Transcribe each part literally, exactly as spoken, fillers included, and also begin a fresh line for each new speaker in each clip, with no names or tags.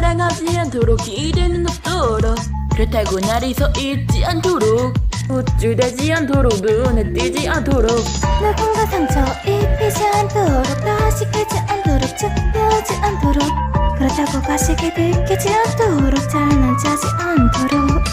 사랑하지 않도록 기대는 없도록 그렇다고 날이 서 있지 않도록 우쭐대지 않도록 눈에 띄지 않도록
누군가 상처 입히지 않도록 다시 깨지 않도록 죽여지 않도록 그렇다고 가식이 들키지 않도록 잘난 짜지 않도록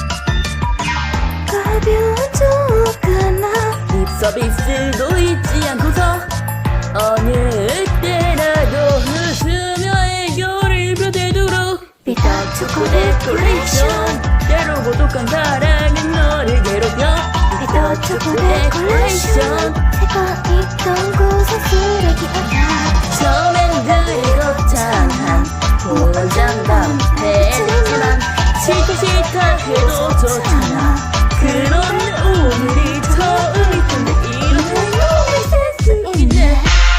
가벼운 쪽 하나
립 서비스도 잊지 않고서 어느 때라도 웃으며 애교를 펴대도록
비타 초코 데코레이션
때로 고독한 사랑은 너를 괴롭혀
비타 초코 데코레이션 새가 있던 곳에 쓰레기 않아
처음엔 그리 거창한 보장감 해지만 싫다 싫다 해도 좋잖아 그런데 오늘이 처음일 텐데 이렇게 너무 센스 있네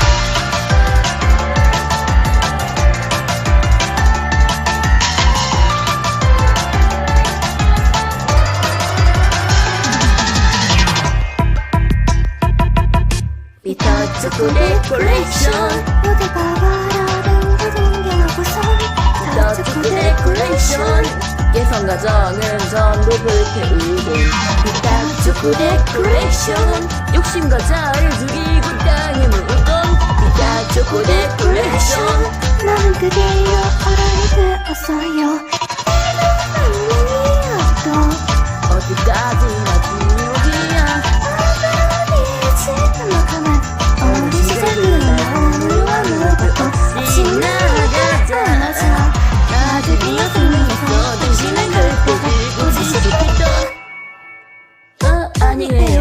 비터 초코 데코레이션
모두가 바라는 그 동경하고서
비터 초코 데코레이션 예성 가정은 전부 불태우고 비터 초코 데코레이션 욕심과 자를 죽이고 땅에 묻던 비터 초코 데코레이션
나는 그대여 어른이 되었어요 아니었던
어디까지나 중요기야
지금 가만 어린 시절은 오늘로 아무것도 없이 나가자
아들이여 생명에서 당신을 결코 들고 싶겠던 어 아니에요